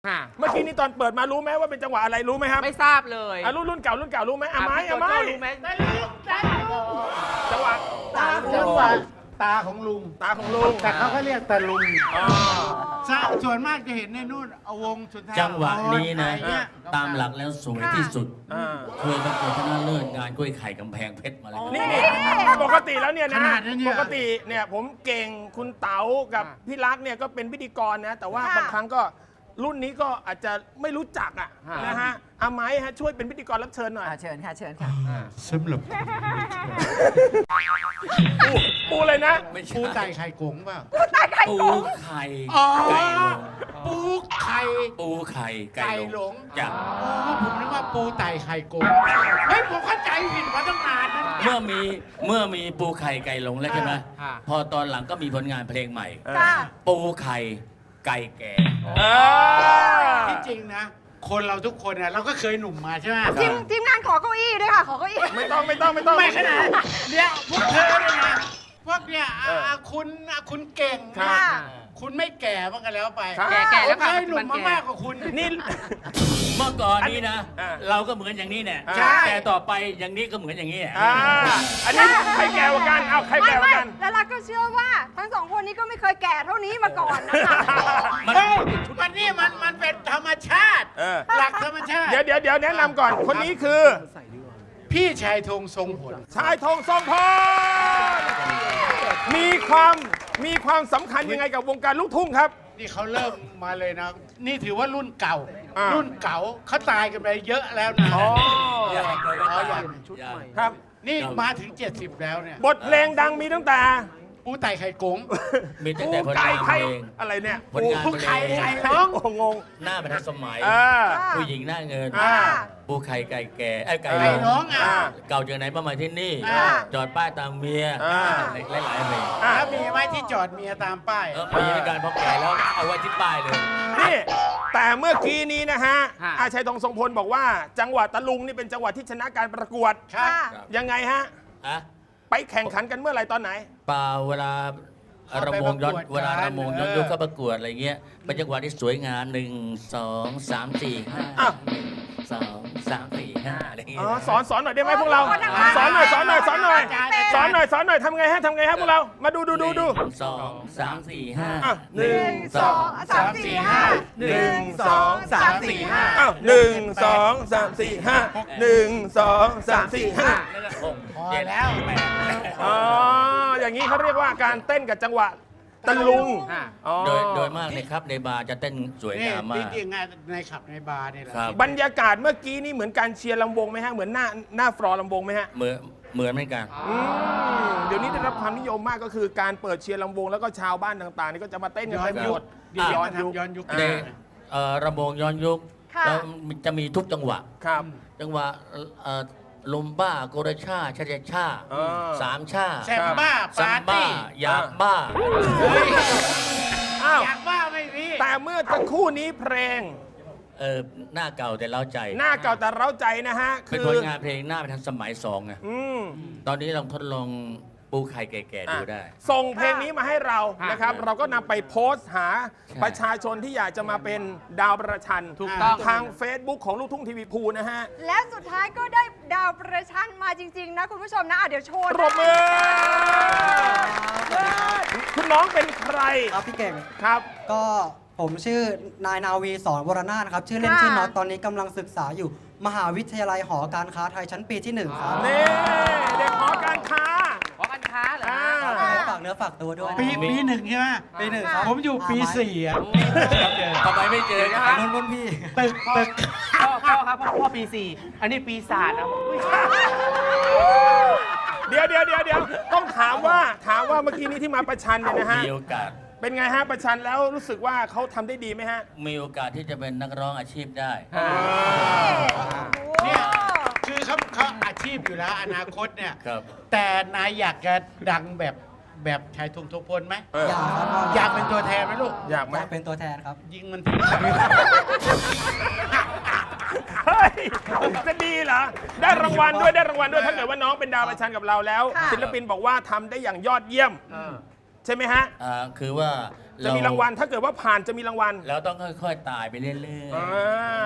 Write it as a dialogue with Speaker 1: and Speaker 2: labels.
Speaker 1: เมื่อกี้นี่ตอนเปิดมารู้ไหมว่าเป็นจังหวะอะไรรู้ไหมครับ
Speaker 2: ไม่ทราบเลย
Speaker 1: รุ่นเก่ารู้ไหมไม้
Speaker 2: พี่โจโจ้รู้ไหม
Speaker 1: จังหวะ
Speaker 3: จังหวะตาของลุง
Speaker 1: ตาของลุง
Speaker 3: แต่เขาก็เรียกตาลุง
Speaker 1: อ๋อ
Speaker 3: ส่วนมากจะเห็นในนู่นเอาวงสุดท้าย
Speaker 4: จังหวะนี้นะ
Speaker 3: อะไรเงี้ย
Speaker 4: ตามหลักแล้วสวยที่สุด
Speaker 1: อ่า
Speaker 4: เคยประกวดชนะเลิศงานกล้วยไข่กำแพงเพชรมาแล้ว
Speaker 1: นี่ปกติแล้วเนี่ย
Speaker 3: ข
Speaker 1: นะ
Speaker 3: นาดนั้นเนี่ย
Speaker 1: ปกติเนี่ยผมเก่งคุณเต๋ากับพี่รักเนี่ยก็เป็นพิธีกรนะแต่ว่าบางครั้งก็รุ่นนี้ก็อาจจะไม่รู้จักนะฮะอาไม้ฮะช่วยเป็นพิธีกรรับเชิญหน่อย
Speaker 2: เชิญค่ะเชิญค่ะ
Speaker 3: สำหรับ
Speaker 1: ปูเลยนะ
Speaker 4: ไม่ใช่
Speaker 3: ปูไต่ไข่กงเปล่า
Speaker 4: ปูไข่
Speaker 3: อ๋อ
Speaker 4: ไก่ลง
Speaker 3: ปูไข่
Speaker 4: ปูไข่ไก่
Speaker 3: ไก่
Speaker 4: ล
Speaker 3: หล
Speaker 4: ง
Speaker 3: ง
Speaker 4: จ้ะ
Speaker 3: อ๋อผมนึกว่าปูไต่ไข่กงเฮ้ยผมเข้าใจผิดมาตั้งนานนะ
Speaker 4: เมื่อมีปูไข่ไก่หลงแล้วใช่ไหมพอตอนหลังก็มีผลงานเพลงใหม่ ปูไข่ไก่แก่
Speaker 3: ที่จริงนะ คนเราทุกคนเนี่ยเราก็เคยหนุ่มมาใช่ไหม
Speaker 5: ทีมงานขอเก้าอี้ด้วยค่ะ ขอเก้าอี้
Speaker 1: ไม่ต้อง
Speaker 3: ไม่ขนาดเนี่ยพวกเธอเนี่ยนะพวกเนี่ยคุณเก่ง
Speaker 1: ครั
Speaker 3: นะ
Speaker 1: บ
Speaker 3: คุณไม่แก่บ้างกันแล้วไป
Speaker 1: ครับ
Speaker 2: แก่แล้ว
Speaker 3: ผม
Speaker 2: ค่ะ
Speaker 3: เคยหนุ่มมากกว่าคุณ
Speaker 1: นี่
Speaker 4: เมื่อก่อนนี้นะ
Speaker 1: อ่า
Speaker 4: เราก็เหมือนอย่างนี้เนี่ย
Speaker 1: ใช่
Speaker 4: แต่ต่อไปอย่างนี้ก็เหมือนอย่างนี้
Speaker 1: อันนี้ใครแก่กว่ากันใครแก่กว่ากัน
Speaker 5: แล้วรักก็เชื่อว่าทั้งสองคนนี้ก็ไม่เคยแก่เท่านี้มาก่อนนะคะ
Speaker 4: มัน
Speaker 3: เฮ้ยมันเป็นธรรมชาติ
Speaker 1: เออ
Speaker 3: หลักธรรมชาติ
Speaker 1: เดี๋ยวแนะนำก่อนคนนี้คือ
Speaker 3: พี่ชายธงทรงผล
Speaker 1: ชายธงทรงพลมีความสำคัญยังไงกับวงการลูกทุ่งครับ
Speaker 3: นี่เขาเริ่มมาเลยนะ นี่ถือว่ารุ่นเก่า
Speaker 1: อ่ารุ่
Speaker 3: รุ่นเก่าเขาตายกันไปเยอะแล้วนะ
Speaker 4: อย่าง
Speaker 3: ชุด
Speaker 4: อย่าง
Speaker 3: ใหม่
Speaker 1: ครับ
Speaker 3: นี่มาถึง 70 แล้วเนี่ย
Speaker 1: บทเพลงดังมีตั้งแต่
Speaker 3: ปูไต่ไข่กง
Speaker 4: มีตั้งแต่ผล
Speaker 1: ไก่
Speaker 4: งานเพ
Speaker 1: ไข่
Speaker 4: ลง
Speaker 1: อะไรเนี่ย
Speaker 4: ผลงาน
Speaker 3: ปู
Speaker 4: เพล
Speaker 3: ไข่
Speaker 4: ง
Speaker 3: ไข่
Speaker 1: โอ้งง
Speaker 4: หน้ามันทันสมัย
Speaker 1: อ่า
Speaker 4: ผู้หญิงหน้าเงิน
Speaker 1: อ่า
Speaker 4: ปูไข่ไก่แก่ไอ้ไก่
Speaker 3: ไก่
Speaker 4: ล
Speaker 3: น้อง
Speaker 4: ง
Speaker 3: อ่ะ
Speaker 4: เก่าจากไหนมาที่นี่
Speaker 3: อ่า
Speaker 4: จอดป้ายตามเมีย
Speaker 1: อ่า
Speaker 4: หลายๆเพลง
Speaker 3: แล้วมีไหมที่จอดเมียตามป้าย
Speaker 4: มีในการพอแก่แล้วเอาไว้ที่ป้ายเลย
Speaker 1: นี่แต่เมื่อกี้นี้นะฮะ
Speaker 2: ฮะ
Speaker 1: อาชัยธงทรงพลบอกว่า จังหวัดตะลุงนี่เป็นจังหวัดที่ชนะการประกวด
Speaker 3: ครับ
Speaker 1: ยังไงฮะ
Speaker 4: อะ
Speaker 1: ไปแข่งขันกันเมื่อไหร่ตอนไหน
Speaker 4: เปล่าเวลา
Speaker 3: เอา
Speaker 4: ระ
Speaker 3: ไป
Speaker 4: มงย้อน
Speaker 3: ประกวด
Speaker 4: เวลาระมงย้อน
Speaker 3: เออ
Speaker 4: ยุคเข้าประกวดอะไรเงี้ยเป็นจังหวะที่สวยงาม1 2 3 4
Speaker 1: อ้าว
Speaker 4: 5 2 3 4 5อะไรเงี้
Speaker 1: อ๋
Speaker 4: ย
Speaker 1: อสอนหน่อยได้ไหมพวกเรา สอนหน่อยทำไงฮะพวกเรา มาดู
Speaker 4: สองสามสี่ห้า
Speaker 1: อ่ะ
Speaker 5: หนึ่งสองสามสี่ห้า
Speaker 1: 1 2 3 4 5อ้าว1 2 3 4 5 1 2 3 4 5
Speaker 4: แล้วก็หก
Speaker 3: พอ
Speaker 4: เจ็ด
Speaker 3: แล้ว
Speaker 4: แปด
Speaker 1: อ๋อ อย่างนี้เขาเรียกว่าการเต้นกับจังหวะตะลุงอ๋อ
Speaker 4: โดยมากเลยครับในบาร์จะเต้นสวย
Speaker 3: นี่
Speaker 4: งามมา
Speaker 3: จ
Speaker 4: ก
Speaker 3: ริงๆงานในขับในบาร์นี่แหละ
Speaker 4: ครับ
Speaker 1: บรรยากาศเมื่อกี้นี่เหมือนการเชียร์ลำวงไหมฮะ เหมือนหน้าฟลอร์ลำวงไหมฮะ
Speaker 4: เหมือนเหมือนกัน
Speaker 1: เดี๋ยวนี้ได้รับความนิยมมากก็คือการเปิดเชียร์ลำวงแล้วก็ชาวบ้านต่างๆนี่ก็จะมาเต้นกัน
Speaker 3: ย้อ
Speaker 1: เต็
Speaker 3: น
Speaker 1: มไป
Speaker 3: ยุ
Speaker 1: หม
Speaker 3: ค
Speaker 1: ด
Speaker 3: เดี๋ยวนี้มาทำย้อนยุค
Speaker 4: ในระมงย้อนยุค
Speaker 5: ค่ะ
Speaker 4: แล้วจะมีทุกจังหวะ
Speaker 1: ครับ
Speaker 4: จังหวะลมบ้าโกรชาชาชา
Speaker 1: เออ
Speaker 4: สามชา
Speaker 3: แซมบ้า
Speaker 4: ซั
Speaker 3: ปาม ร์
Speaker 4: บ้า
Speaker 3: ตี้
Speaker 4: ยาบ้า
Speaker 1: อ้าว
Speaker 3: อยากบ้าไม่มี
Speaker 1: แต่เมื่อสักครู่นี้เพลง
Speaker 4: หน้าเก่าแต่เล้าใจ
Speaker 1: หน้าเก่าแต่เร้าใจนะฮะ
Speaker 4: เป็น
Speaker 1: คื
Speaker 4: ผ
Speaker 1: อ
Speaker 4: ลงานเพลงหน้าไปทันสมัยสองไง
Speaker 1: อืม
Speaker 4: ตอนนี้ลองทดลองปูไข่แก่ๆดูได้
Speaker 1: ส่งเพลงนี้มาให้เรานะครับ เราก็นำไปโพสต์หา
Speaker 4: ใช่
Speaker 1: ประชาชนที่อยากจะมาเป็นดาวประชัน
Speaker 2: ถูกต้อง
Speaker 1: ทาง Facebook ของลูกทุ่งทีวีภูนะฮะ
Speaker 5: และสุดท้ายก็ได้ดาวประชันมาจริง ๆ นะคุณผู้ชมนะเดี๋ยวโชว์
Speaker 1: ปรบมือ คุณน้องเป็นใคร
Speaker 6: ครับพี่เก่ง
Speaker 1: ครับ
Speaker 6: ก็ผมชื่อนายนาวีสอนวรนาถครับ ชื่อเล่นชื่อน็อตตอนนี้กำลังศึกษาอยู่มหาวิทยาลัยหอการค้าไทยชั้นปีที่ 1 ครับ
Speaker 1: นี่เด็กหอการค้า
Speaker 2: ขอการค้าเหรอ
Speaker 1: อ่า
Speaker 2: ฮะ
Speaker 6: ฝากเนื้อฝากตัวด้วย
Speaker 3: ปีหนึ่งใช่ไหม
Speaker 6: ปี 1 ครับ
Speaker 3: ผมอยู่ปี 4อ่ะ
Speaker 4: ทำไมไม่เจอกัน
Speaker 6: รุ่นพี่
Speaker 3: ตึก
Speaker 2: พ่อครับพ่อปี 4 อันนี้ปีศาจนะอุ๊ย
Speaker 1: เดี๋ยวต้องถามว่าเมื่อกี้นี้ที่มาประชันเนี่ยนะฮะ
Speaker 4: มีโอกาส
Speaker 1: เป็นไงฮะประชันแล้วรู้สึกว่าเขาทำได้ดีไหมฮะ
Speaker 4: มีโอกาสที่จะเป็นนักร้องอาชีพได้
Speaker 3: เนี่ยคือเขาอาชีพอยู่แล้วอนาคตเนี่ย
Speaker 4: ครับ
Speaker 3: แต่นายอยากจะดังแบบชายธงทพลไหม
Speaker 6: อยากครับพ่อ
Speaker 3: อยากเป็นตัวแทนไหมลูก
Speaker 1: อยากไหม
Speaker 6: อยากเป็นตัวแทนครับ
Speaker 3: ยิงมันทิ้ง
Speaker 1: เฮ้ยจะดีเหรอ ได้รางวัลด้วยถ้าเกิดว่าน้องเป็นดาวประชันกับเราแล้ว ศิลปินบอกว่าทำได้อย่างยอดเยี่ยมใช่ไหมฮะ
Speaker 4: คือว่า
Speaker 1: จะมีรางวัลถ้าเกิดว่าผ่านจะมีรางวัล
Speaker 4: เราต้องค่อยๆตายไปเรื่อย
Speaker 1: อ่า